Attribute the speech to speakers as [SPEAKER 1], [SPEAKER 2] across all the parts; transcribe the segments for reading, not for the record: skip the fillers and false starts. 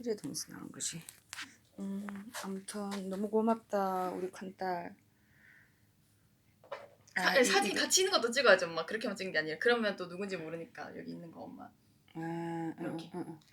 [SPEAKER 1] 이래도 무슨 나온 거지. 아무튼 너무 고맙다 우리 큰딸.
[SPEAKER 2] 사진 같이 있는 것도 찍어야지 엄마. 그렇게만 찍는 게 아니라 그러면 또 누군지 모르니까 여기 있는 거 엄마. 이렇게.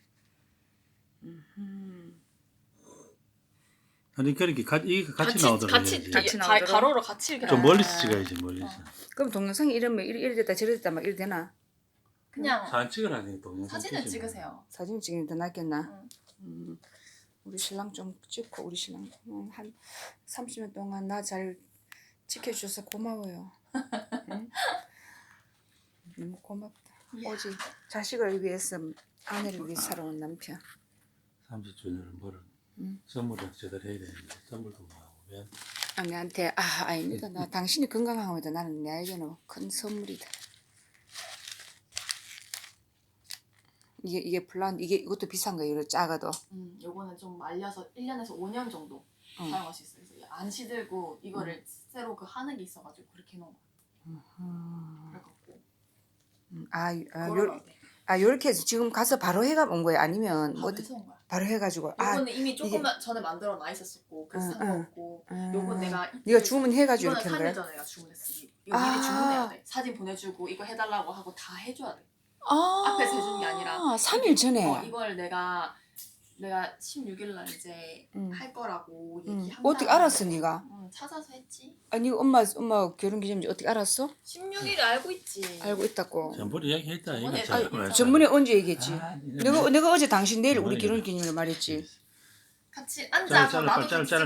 [SPEAKER 3] 아니 그렇게 이게 같이 나오더라고요.
[SPEAKER 2] 같이
[SPEAKER 1] 나오더라고.
[SPEAKER 2] 가로로 같이 이렇게.
[SPEAKER 3] 좀 멀리서 찍어야지 멀리서.
[SPEAKER 1] 그럼 동영상이 이러면 이래 됐다 저래 됐다 막 이래 되나?
[SPEAKER 2] 그냥
[SPEAKER 3] 사진 찍으라니 동영상.
[SPEAKER 2] 사진을 찍으세요.
[SPEAKER 1] 사진 찍으면 더 낫겠나? 우리 신랑 좀 찍고 우리 신랑 한 30년 동안 나 잘 지켜줘서 고마워요. 응? 너무 고맙다. 오직 자식을 위해서 아내를 위해 살아온 남편.
[SPEAKER 3] 30주년을 뭐를 선물을 제대로 해야 되는데 선물도 뭐 하고 왜?
[SPEAKER 1] 아내한테 아닙니다. 나 당신이 건강하면 나는 나에게는 큰 선물이다. 이게 플란 이것도 비싼 거예요. 이거 작아도.
[SPEAKER 2] 요거는 좀 말려서 1년에서 5년 정도 사용할 수 있어요. 그래서 안 시들고 이거를 새로 그 하는 게 있어가지고 그렇게 해놓은 거예요. 그래갖고
[SPEAKER 1] 요렇게 해서 지금 가서 바로 해가 온 거예요? 아니면
[SPEAKER 2] 바로 해서 온 거야.
[SPEAKER 1] 바로 해가지고
[SPEAKER 2] 요거는 이미 조금만 전에 만들어 놔 있었었고 그래서 상관없고 요건 내가
[SPEAKER 1] 네가 주문해가지고
[SPEAKER 2] 이거는
[SPEAKER 1] 이렇게 한
[SPEAKER 2] 3일
[SPEAKER 1] 거야?
[SPEAKER 2] 전에 내가 주문했어. 이거 미리 주문해야 돼. 사진 보내주고 이거 해달라고 하고 다 해줘야 돼. 앞에서 해주는 게 아니라
[SPEAKER 1] 3일 전에.
[SPEAKER 2] 이걸 내가 16일 날 이제 할 거라고 얘기한
[SPEAKER 1] 어떻게
[SPEAKER 2] 다음에
[SPEAKER 1] 알았어 네가?
[SPEAKER 2] 찾아서 했지.
[SPEAKER 1] 아니 엄마 결혼 기념일 어떻게 알았어?
[SPEAKER 2] 16일 알고 있지.
[SPEAKER 1] 알고 있다고.
[SPEAKER 3] 전부터 이야기했다 이거.
[SPEAKER 2] 저번에
[SPEAKER 3] 잘
[SPEAKER 1] 전번에 언제 얘기했지?
[SPEAKER 3] 아,
[SPEAKER 1] 내가 어제 당신 내일 우리
[SPEAKER 3] 전번에
[SPEAKER 1] 결혼 기념일 말했지.
[SPEAKER 2] 같이 앉아서 나도
[SPEAKER 3] 잘라,
[SPEAKER 2] 같이
[SPEAKER 3] 잘라,